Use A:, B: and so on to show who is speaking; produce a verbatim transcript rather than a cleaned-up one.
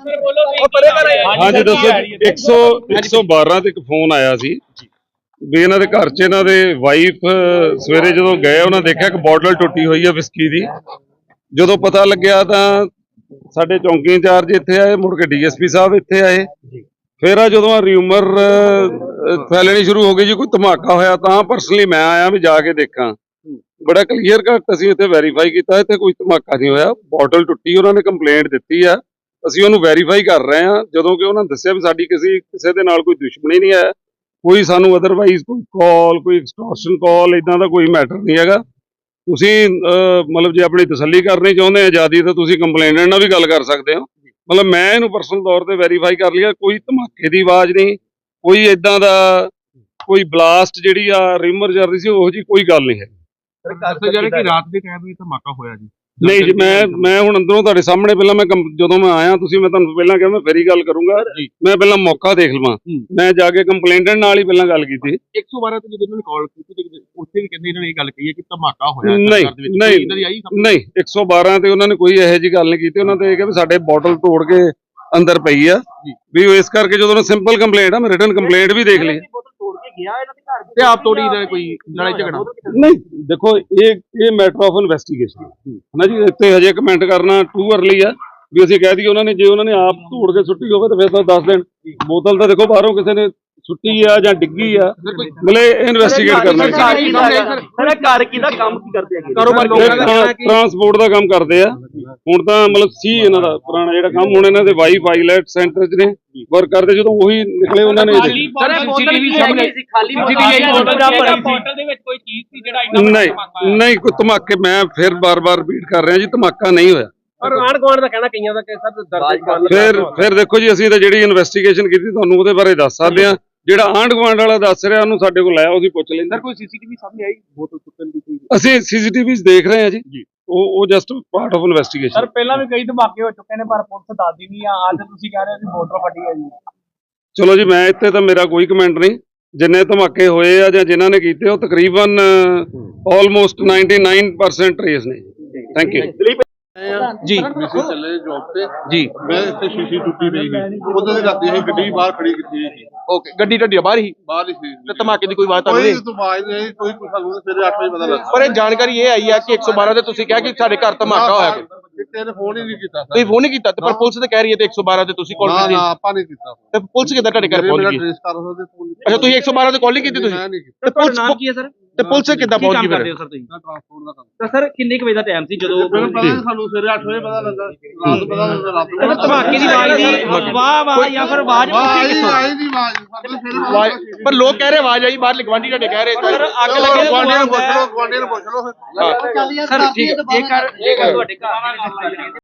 A: हाँ जी दसो एक सौ एक सौ बारह ते एक फोन आया सी भी इन्हां दे घर च इन्हां दे वाइफ सवेरे जदों गए उन्हां देखिया कि बॉटल टुटी हुई है विस्की दी। जदों पता लग्या तां साडे चौंकी इंचार्ज इत्थे आए, मुड़ के डी एस पी साहब इत्थे आए। फिर आ जदों र्यूमर फैलनी शुरू हो गई जी कोई धमाका होया तां परसनली मैं आया भी जाके देखा। बड़ा क्लीयर कट असीं इत्थे वैरीफाई कीता, इत्थे कोई धमाका नहीं होया। बॉटल टुटी उन्होंने कंप्लेंट दित्ती आ, ਅਸੀਂ ਉਹਨੂੰ ਵੈਰੀਫਾਈ ਕਰ ਰਹੇ ਹਾਂ। ਜਦੋਂ ਕਿ ਉਹਨਾਂ ਦੱਸਿਆ ਵੀ ਸਾਡੀ ਕਿਸੇ ਕਿਸੇ ਦੇ ਨਾਲ ਕੋਈ ਦੁਸ਼ਮਣੀ ਨਹੀਂ ਹੈ, ਕੋਈ ਸਾਨੂੰ ਅਦਰਵਾਈਜ਼ ਕੋਈ ਕਾਲ ਕੋਈ ਐਕਸਟੋਰਸ਼ਨ ਕਾਲ ਇਦਾਂ ਦਾ ਕੋਈ ਮੈਟਰ ਨਹੀਂ ਹੈਗਾ। ਤੁਸੀਂ ਮਤਲਬ ਜੇ ਆਪਣੀ ਤਸੱਲੀ ਕਰਨੀ ਚਾਹੁੰਦੇ ਆ ਆਜ਼ਾਦੀ ਤਾਂ ਤੁਸੀਂ ਕੰਪਲੇਨੈਂਟ ਨਾਲ ਵੀ ਗੱਲ ਕਰ ਸਕਦੇ ਹੋ। ਮਤਲਬ ਮੈਂ ਇਹਨੂੰ ਪਰਸਨਲ ਤੌਰ ਤੇ ਵੈਰੀਫਾਈ ਕਰ ਲਿਆ, ਕੋਈ ਧਮਾਕੇ ਦੀ ਆਵਾਜ਼ ਨਹੀਂ, ਕੋਈ ਇਦਾਂ ਦਾ ਕੋਈ ਬਲਾਸਟ ਜਿਹੜੀ ਆ ਰਿਮਰ ਚੱਲ ਰਹੀ ਸੀ ਉਹੋ ਜੀ ਕੋਈ ਗੱਲ ਨਹੀਂ ਹੈ।
B: ਜਿਹੜੇ ਕਿ ਰਾਤ ਦੇ ਟਾਈਮ ਵੀ ਧਮਾਕਾ ਹੋਇਆ ਜੀ
A: नहीं जी, मैं मैं हुण अंदरों तुहाडे सामने पहला मैं जदों मैं आया तुसीं मैं तुहानूं पहला कहा मैं फेरी गल करूंगा, मैं पहला मौका देख लवां। मैं जाके कंप्लेंटेंट नाल ही पहला गल कीती।
B: एक सौ बारह ਤੇ ਜਦੋਂ ਇਹਨਾਂ ਨੇ ਕਾਲ ਕੀਤੀ ਤੇ ਉੱਥੇ ਵੀ ਕਹਿੰਦੇ ਇਹਨਾਂ ਨੇ ਇਹ ਗੱਲ ਕਹੀ ਹੈ ਕਿ ਧਮਾਕਾ ਹੋਇਆ
A: ਨਹੀਂ ਨਹੀਂ ਨਹੀਂ ਇੱਕ ਸੌ ਬਾਰਾਂ ਤੇ ਉਹਨਾਂ ਨੇ ਕੋਈ ਇਹੋ ਜਿਹੀ ਗੱਲ ਨਹੀਂ ਕੀਤੀ। ਉਹਨਾਂ ਤੇ ਇਹ ਕਿਹਾ ਵੀ ਸਾਡੇ ਬੋਟਲ ਤੋੜ ਕੇ ਅੰਦਰ ਪਈ ਆ ਵੀ ਉਹ ਇਸ ਕਰਕੇ ਜਦੋਂ ਸਿੰਪਲ ਕੰਪਲੇਂਟ ਆ ਮੈਂ ਰਿਟਨ ਕੰਪਲੇਂਟ ਵੀ ਦੇਖ ਲਈ
B: ਤੇ ਆਪ ਤੋੜੀ ਦਾ ਕੋਈ ਲੜਾਈ ਝਗੜਾ
A: ਨਹੀਂ। ਦੇਖੋ ਇਹ ਇਹ ਮੈਟਰ ਆਫ ਇਨਵੈਸਟੀਗੇਸ਼ਨ ਹੈ ਨਾ ਜੀ, ਇੱਥੇ ਹਜੇ ਕਮੈਂਟ ਕਰਨਾ ਟੂ ਅਰਲੀ ਆ ਵੀ ਅਸੀਂ ਕਹਿ ਦਈਏ ਉਹਨਾਂ ਨੇ ਜੇ ਉਹਨਾਂ ਨੇ ਆਪ ਧੂੜ ਕੇ ਸੁੱਟੀ ਹੋਵੇ ਤਾਂ ਫਿਰ ਤਾਂ ਦੱਸ ਦੇਣ। ਬੋਤਲ ਤਾਂ ਦੇਖੋ ਬਾਹਰੋਂ ਕਿਸੇ ਨੇ ਸੁੱਟੀ ਆ ਜਾਂ ਡਿੱਗੀ ਆ, ਮਤਲਬ ਇਨਵੈਸਟੀਗੇਟ ਕਰਨਾ। ਟਰਾਂਸਪੋਰਟ ਦਾ ਕੰਮ ਕਰਦੇ ਆ ਹੁਣ ਤਾਂ, ਮਤਲਬ ਸੀ ਇਹਨਾਂ ਦਾ ਪੁਰਾਣਾ ਜਿਹੜਾ ਕੰਮ। ਹੁਣ ਇਹਨਾਂ ਦੇ ਵਾਈਫ ਆਈਲੈਟ ਸੈਂਟਰ ਚ ਨੇ ਵਰਕ ਕਰਦੇ, ਜਦੋਂ ਉਹੀ ਨਿਕਲੇ ਉਹਨਾਂ ਨੇ ਨਹੀਂ ਨਹੀਂ ਕੋਈ ਧਮਾਕੇ, ਮੈਂ ਫਿਰ ਬਾਰ-ਬਾਰ ਰਿਪੀਟ ਕਰ ਰਿਹਾ ਜੀ ਧਮਾਕਾ ਨਹੀਂ ਹੋਇਆ। ਫਿਰ ਫਿਰ ਦੇਖੋ ਜੀ ਅਸੀਂ ਤਾਂ ਜਿਹੜੀ ਇਨਵੈਸਟੀਗੇਸ਼ਨ ਕੀਤੀ ਤੁਹਾਨੂੰ ਉਹਦੇ ਬਾਰੇ ਦੱਸ ਸਕਦੇ ਆ। ਜਿਹੜਾ ਆਂਢ ਗੁਆਂਢ ਵਾਲਾ ਦੱਸ ਰਿਹਾ ਉਹਨੂੰ ਸਾਡੇ ਕੋਲ ਆਇਆ, ਉਹਦੀ ਪੁੱਛ ਲੈਂਦਾ।
B: ਕੋਈ ਸੀਸੀਟੀਵੀ ਸਾਹਮਣੇ ਆਈ ਬੋਤਲ ਸੁੱਟਣ ਦੀ ਕੋਈ?
A: ਅਸੀਂ ਸੀਸੀਟੀਵੀ ਦੇਖ ਰਹੇ ਹਾਂ ਜੀ, ਉਹ ਉਹ just part of investigation.
C: Sir ਪਹਿਲਾਂ ਵੀ ਕਈ ਧਮਾਕੇ ਹੋ ਚੁੱਕੇ ਨੇ ਪਰ ਪੁਲਿਸ ਦੱਸਦੀ ਨਹੀਂ ਆ, ਅੱਜ ਤੁਸੀਂ ਕਹਿ ਰਹੇ ਹੋ ਕਿ ਬੋਤਲ ਫਟੀ ਹੈ ਜੀ।
A: ਚਲੋ ਜੀ ਮੈਂ ਇੱਥੇ ਤਾਂ ਮੇਰਾ ਕੋਈ ਕਮੈਂਟ ਨਹੀਂ। ਜਿੰਨੇ ਧਮਾਕੇ ਹੋਏ ਆ ਜਾਂ ਜਿਨ੍ਹਾਂ ਨੇ ਕੀਤੇ ਉਹ ਤਕਰੀਬਨ almost ninety nine percent trace ਨੇ। ਥੈਂਕ ਯੂ
B: ਜੀ।
D: ਅਸੀਂ ਚੱਲੇ ਜੌਬ ਤੇ
B: ਜੀ,
D: ਮੈਂ ਇੱਥੇ ਸ਼ੀਸ਼ੀ ਟੁੱਟੀ ਪਈ ਸੀ, ਉਦੋਂ ਦੇ ਰਾਤੀ ਅਸੀਂ ਗੱਡੀ ਬਾਹਰ ਖੜੀ ਕੀਤੀ ਸੀ।
B: ਓਕੇ, ਗੱਡੀ ਢੱਡੀ ਬਾਹਰ ਹੀ
D: ਬਾਹਰ ਹੀ ਸੀ
B: ਤੇ ਧਮਾਕੇ ਦੀ ਕੋਈ ਆਵਾਜ਼ ਤਾਂ
D: ਕੋਈ
B: ਨਹੀਂ?
D: ਆਵਾਜ਼ ਨਹੀਂ, ਕੋਈ ਕੁਛ ਸਾਨੂੰ ਸਵੇਰੇ ਅੱਠ ਵਜੇ ਪਤਾ ਲੱਗਾ।
B: ਪਰ ਇਹ ਜਾਣਕਾਰੀ ਇਹ ਆਈ ਆ ਕਿ ਇੱਕ ਸੌ ਬਾਰਾਂ ਤੇ ਤੁਸੀਂ ਕਿਹਾ ਕਿ ਸਾਡੇ ਘਰ ਧਮਾਕਾ ਹੋਇਆ।
D: ਕਿਸੇ ਨੇ ਫੋਨ ਹੀ ਨਹੀਂ ਕੀਤਾ ਸਰ।
B: ਤੁਸੀਂ ਫੋਨ ਨਹੀਂ ਕੀਤਾ ਤੇ ਪਰ ਪੁਲਿਸ ਤੇ ਕਹਿ ਰਹੀ ਹੈ ਤੇ ਇੱਕ ਸੌ ਬਾਰਾਂ ਤੇ ਤੁਸੀਂ ਕਾਲ
D: ਨਾ
B: ਕੀਤੀ?
D: ਨਾ ਆਪਾਂ ਨਹੀਂ ਕੀਤਾ।
B: ਤੇ ਪੁਲਿਸ ਕਿੱਦਾਂ ਤੁਹਾਡੇ ਘਰ ਪਹੁੰਚ ਗਈ?
D: ਟ੍ਰੇਸ ਕਰ ਸਕਦੇ ਫੋਨ।
B: ਅੱਛਾ, ਤੁਸੀਂ ਇੱਕ ਸੌ ਬਾਰਾਂ ਤੇ ਕਾਲ ਨਹੀਂ ਕੀਤੀ ਤੁਸੀਂ?
D: ਮੈਂ ਨਹੀਂ ਕੀਤੀ।
B: ਤੇ ਪੁਲਿਸ ਨਾਮ ਕੀ ਹੈ ਸਰ? ਤੇ ਪੁਲਿਸ ਕਿੱਦਾਂ ਪਹੁੰਚ ਗਈ ਫਿਰ?
C: ਸਰ ਤੁਸੀਂ
D: ਟਰਾਂਸਪੋਰਟ ਦਾ ਕੰਮ।
C: ਤਾਂ ਸਰ ਕਿੰਨੇ ਕੁ ਵਜੇ ਦਾ ਟਾਈਮ ਸੀ ਜਦੋਂ
D: ਮੈਨੂੰ ਪਤਾ ਨਹੀਂ, ਸਾਨੂੰ ਸਵੇਰੇ ਅੱਠ ਵਜੇ ਪਤਾ ਲੱਗਾ, ਰਾਤ ਨੂੰ ਪਤਾ ਲੱਗਾ। ਰਾਤ ਨੂੰ
C: ਧਮਾਕੇ ਦੀ ਆਵਾਜ਼ ਦੀ ਵਾਹ ਵਾਹ ਜਾਂ ਫਿਰ ਆਵਾਜ਼
D: ਆਈ ਨਹੀਂ ਆਵਾਜ਼ ਸਾਡੇ ਸਵੇਰੇ।
B: ਪਰ ਲੋਕ ਕਹਿ ਰਹੇ ਆਵਾਜ਼ ਆਈ ਬਾਹਰ, ਗਵਾਂਢੀ ਤੁਹਾਡੇ ਕਹਿ ਰਹੇ
C: ਸਰ ਅੱਗ ਲੱਗੇ
D: ਗਵਾਂਢੀ ਨੂੰ ਪੁੱਛ ਲਓ, ਗਵਾਂਢੀ ਨੂੰ ਪੁੱਛ ਲਓ।
C: ਸਰ ਠੀਕ ਹੈ, ਜੇਕਰ ਜੇਕਰ ਤੁਹਾਡੇ ਘਰ